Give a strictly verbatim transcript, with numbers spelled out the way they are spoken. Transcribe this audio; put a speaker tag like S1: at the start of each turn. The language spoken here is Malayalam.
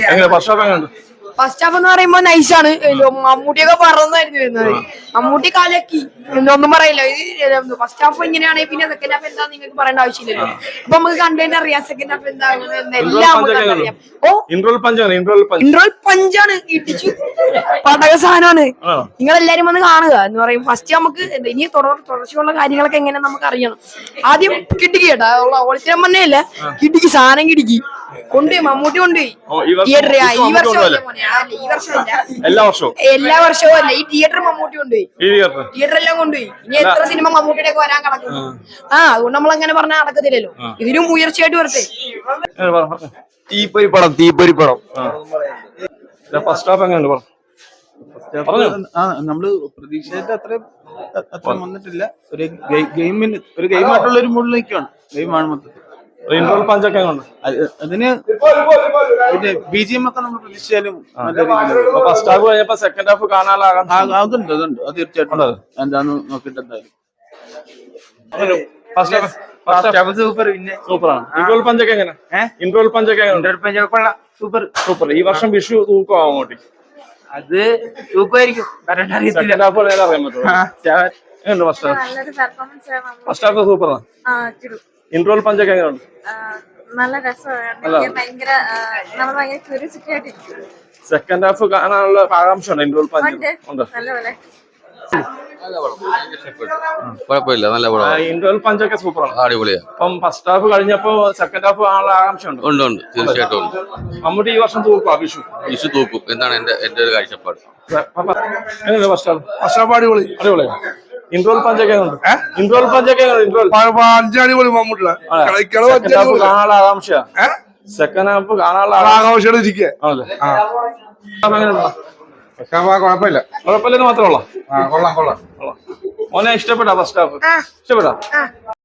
S1: ഫസ്റ്റ് ഹാഫ് എന്ന് പറയുമ്പോ നൈസാണ്. മമ്മൂട്ടിയൊക്കെ പറന്നായിരുന്നു വരുന്നത്. മമ്മൂട്ടി കാലക്കി ഒന്നും പറയില്ല. ഇത് ഫസ്റ്റ് ഹാഫ് ഇങ്ങനെയാണെങ്കിൽ പിന്നെ സെക്കൻഡ് ഹാഫ് എന്താ നിങ്ങൾക്ക് പറയേണ്ട ആവശ്യമില്ലല്ലോ. അപ്പൊ നമുക്ക് കണ്ടുതന്നെ അറിയാം സെക്കൻഡ് ഹാഫ് എന്താകും എല്ലാം അറിയാം. ഓ ഇൻട്രോൾ പഞ്ചാണ്, ഇടിച്ചു പടക സാധനമാണ്. നിങ്ങളെല്ലാരും വന്ന് കാണുക എന്ന് പറയും. ഫസ്റ്റ് നമുക്ക് ഇനി തുടർച്ചയുള്ള കാര്യങ്ങളൊക്കെ എങ്ങനെ നമുക്ക് അറിയണം. ആദ്യം കിട്ടിക്ക് കേട്ടാ ഓളിച്ചിരം മണ്ണയല്ല, കിട്ടിക്ക് സാധനം കിടിക്കി കൊണ്ടുപോയി മമ്മൂട്ടി കൊണ്ടുപോയി തിയേറ്റർ. ഈ വർഷം ഈ വർഷമല്ല, എല്ലാ വർഷവും എല്ലാ വർഷവും അല്ല, ഈ തിയേറ്റർ മമ്മൂട്ടി കൊണ്ടുപോയി, തിയേറ്റർ എല്ലാം കൊണ്ടുപോയി. ഇനി എത്ര സിനിമ മമ്മൂട്ടിയുടെ ഒക്കെ വരാൻ കിടക്കുന്നു. ആ അതുകൊണ്ട് നമ്മൾ അങ്ങനെ പറഞ്ഞാൽ നടക്കത്തില്ലല്ലോ. ഇതിനും ഉയർച്ചയായിട്ട് വരട്ടെ.
S2: തീപ്പൊരി പടം തീപ്പൊരി പടം
S3: നമ്മള് പ്രതീക്ഷയുടെ അത്ര അത്ര വന്നിട്ടില്ല. ഒരു ഗെയിമിന് ഒരു ഗെയിമായിട്ടുള്ള ഒരു മൂഡിൽ നിൽക്കുകയാണ്. ഗെയിമാണ് മൊത്തത്തിൽ. അതിന് പിന്നെ ബി ജി എം ഒക്കെ നമ്മൾ പ്രതീക്ഷിച്ചാലും നല്ല രീതിയിൽ
S2: സെക്കൻഡ് ഹാഫ് കാണാനുള്ള
S3: അതുണ്ട് അതുണ്ട് അത് തീർച്ചയായിട്ടും എന്താന്ന് നോക്കിട്ട് എന്തായാലും
S2: സൂപ്പർ പിന്നെ സൂപ്പറാണ്. ഇൻട്രോൾ പഞ്ചൊക്കെ എങ്ങനെ ഇൻട്രോൾ പഞ്ചൊക്കെ
S4: സൂപ്പർ
S2: സൂപ്പർ. ഈ വർഷം വിഷു തൂക്കോ അങ്ങോട്ട്?
S4: അത് തൂക്കമായിരിക്കും, കാരണം അറിയത്തില്ല.
S2: ഫസ്റ്റ് ഹാഫ് സൂപ്പറാണ്. ഇൻട്രോൾ പഞ്ചൊക്കെ എങ്ങനെയുണ്ട്?
S5: നല്ല രസമാണ്. ഭയങ്കര നമ്മൾ ഭയങ്കര ക്യൂരിയോസിറ്റി ആയിട്ടിരിക്കും.
S2: സെക്കൻഡ് ഹാഫ് കാണാനുള്ള ആകാംക്ഷ ഉണ്ട്. ഇൻട്രോൾ പഞ്ച് ഉണ്ട്.
S5: നല്ലപോലെ
S6: കുഴപ്പമില്ല, നല്ല പടം.
S2: ഇൻട്രോൾ പഞ്ചൊക്കെ സൂപ്പറാണ്,
S6: അടിപൊളിയാ.
S2: അപ്പം ഫസ്റ്റ് ഹാഫ് കഴിഞ്ഞപ്പോ സെക്കൻഡ് ഹാഫ് കാണാനുള്ള ആകാംക്ഷ ഉണ്ട്.
S6: ഉണ്ട് ഉണ്ട് തീർച്ചയായിട്ടും ഉണ്ട്.
S2: മമ്മൂട്ടി ഈ വർഷം തൂക്കും വിഷു
S6: വിഷു തൂക്കും എന്നാണ് എന്റെ എന്റെ ഒരു കാഴ്ചപ്പാട്.
S2: എങ്ങനെയുണ്ട് ഫസ്റ്റ് ഹാഫ്? ഫസ്റ്റ് ഹാഫ് അടിപൊളി അടിപൊളിയാണ്. ഇൻട്രോൾ പഞ്ചൊക്കെ ഉണ്ട്. ഇൻട്രോൾ പഞ്ചൊക്കെ ഇൻട്രോൾ
S7: അടിപൊളി മമ്മൂട്ടിയുടെ
S2: കാണാനുള്ള ആകാംക്ഷ. സെക്കൻഡ് ഹാഫ് കാണാനുള്ള
S7: ആകാംക്ഷയോടെ ഇരിക്കുക.
S2: കുഴപ്പമില്ല കുഴപ്പമില്ലെന്ന് മാത്രമേ ഉള്ളൂ.
S7: കൊള്ളാം കൊള്ളാം.
S2: മോനെ ഇഷ്ടപ്പെട്ടാ ഫസ്റ്റ് ഹാഫ്? ഇഷ്ടപ്പെട്ടാ?